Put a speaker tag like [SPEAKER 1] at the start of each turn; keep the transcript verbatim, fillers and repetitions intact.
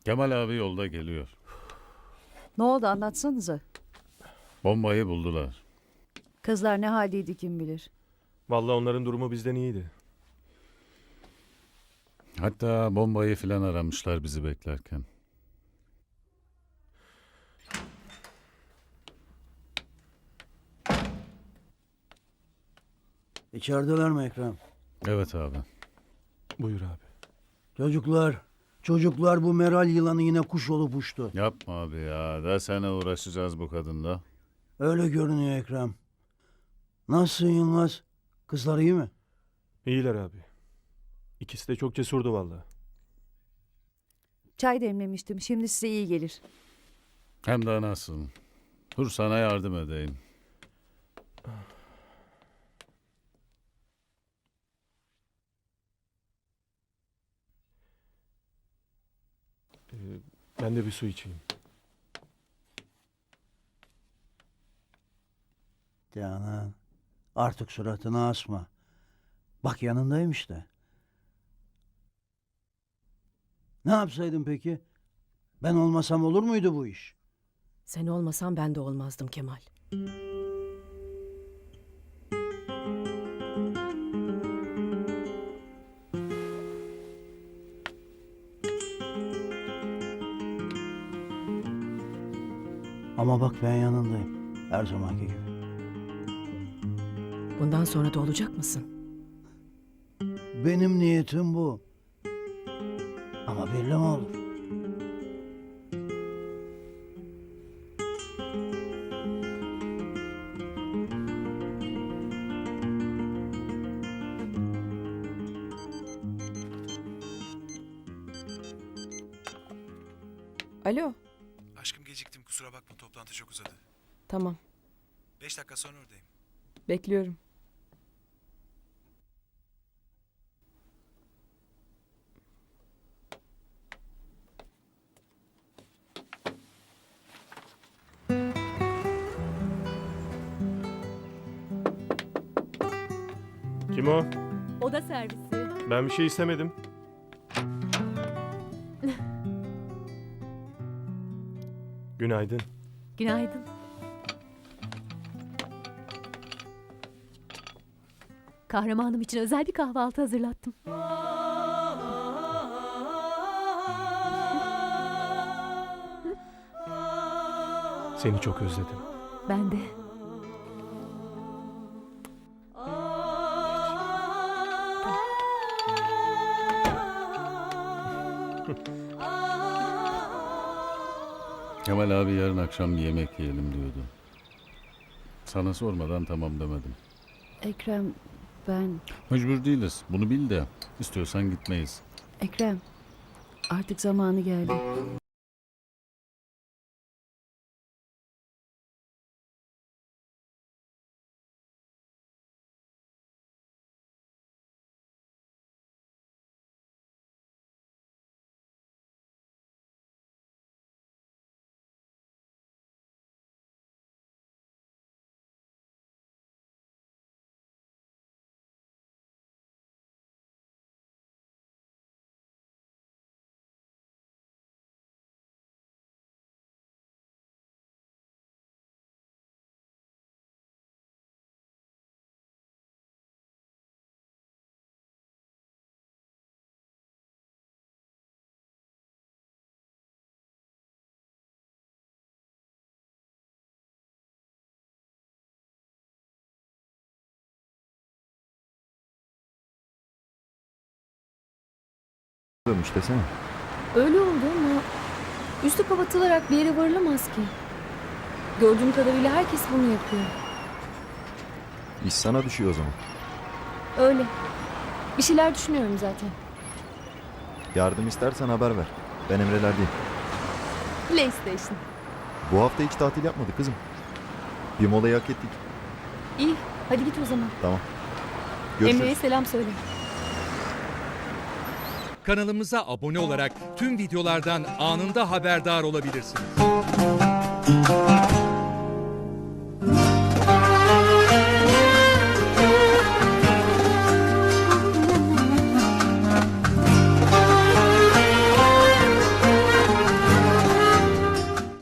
[SPEAKER 1] Kemal abi yolda geliyor.
[SPEAKER 2] Ne oldu anlatsanıza.
[SPEAKER 1] Bombayı buldular.
[SPEAKER 2] Kızlar ne haldeydi kim bilir.
[SPEAKER 3] Vallahi onların durumu bizden iyiydi.
[SPEAKER 1] Hatta bombayı filan aramışlar bizi beklerken.
[SPEAKER 4] İçerideler mi Ekrem?
[SPEAKER 1] Evet abi.
[SPEAKER 3] Buyur abi.
[SPEAKER 4] Çocuklar, çocuklar bu Meral yılanı yine kuş olup uçtu.
[SPEAKER 1] Yapma abi ya. Daha sene uğraşacağız bu kadınla.
[SPEAKER 4] Öyle görünüyor Ekrem. Nasılsın Yılmaz? Kızlar iyi mi?
[SPEAKER 3] İyiler abi. İkisi de çok cesurdu vallahi.
[SPEAKER 2] Çay demlemiştim. Şimdi size iyi gelir.
[SPEAKER 1] Hem de nasıl. Dur sana yardım edeyim.
[SPEAKER 3] Ee, ben de bir su içeyim.
[SPEAKER 4] Canan, artık suratını asma. Bak yanındayım işte. Ne yapsaydın peki? Ben olmasam olur muydu bu iş?
[SPEAKER 5] Sen olmasan ben de olmazdım Kemal.
[SPEAKER 4] Ama bak ben yanındayım. Her zamanki gibi.
[SPEAKER 5] Bundan sonra da olacak mısın?
[SPEAKER 4] Benim niyetim bu. Ama belli mi olur?
[SPEAKER 5] Alo,
[SPEAKER 6] Aşkım geciktim, kusura bakma, toplantı çok uzadı.
[SPEAKER 5] tamam.
[SPEAKER 6] Beş dakika sonra oradayım.
[SPEAKER 5] Bekliyorum.
[SPEAKER 3] Kim o?
[SPEAKER 7] Oda servisi.
[SPEAKER 3] Ben bir şey istemedim. Günaydın.
[SPEAKER 7] Günaydın. Kahramanım için özel bir kahvaltı hazırlattım.
[SPEAKER 3] Seni çok özledim.
[SPEAKER 7] Ben de.
[SPEAKER 1] Kemal abi yarın akşam bir yemek yiyelim diyordu. Sana sormadan tamam demedim.
[SPEAKER 2] Ekrem ben...
[SPEAKER 1] Mecbur değiliz. Bunu bil de. İstiyorsan gitmeyiz.
[SPEAKER 2] Ekrem artık zamanı geldi.
[SPEAKER 8] Olmuş desene.
[SPEAKER 7] Öyle oldu ama üstü kapatılarak bir yere varılamaz ki. Gördüğüm kadarıyla herkes bunu yapıyor.
[SPEAKER 8] İş sana düşüyor o zaman.
[SPEAKER 7] Öyle. Bir şeyler düşünüyorum zaten.
[SPEAKER 8] Yardım istersen haber ver. Ben emrelerdeyim.
[SPEAKER 7] PlayStation.
[SPEAKER 8] Bu hafta hiç tatil yapmadık kızım. Bir molayı hak ettik.
[SPEAKER 7] İyi. Hadi git o zaman.
[SPEAKER 8] Tamam. Görüşürüz.
[SPEAKER 7] Emre'ye selam söyle.
[SPEAKER 9] Kanalımıza abone olarak tüm videolardan anında haberdar olabilirsiniz.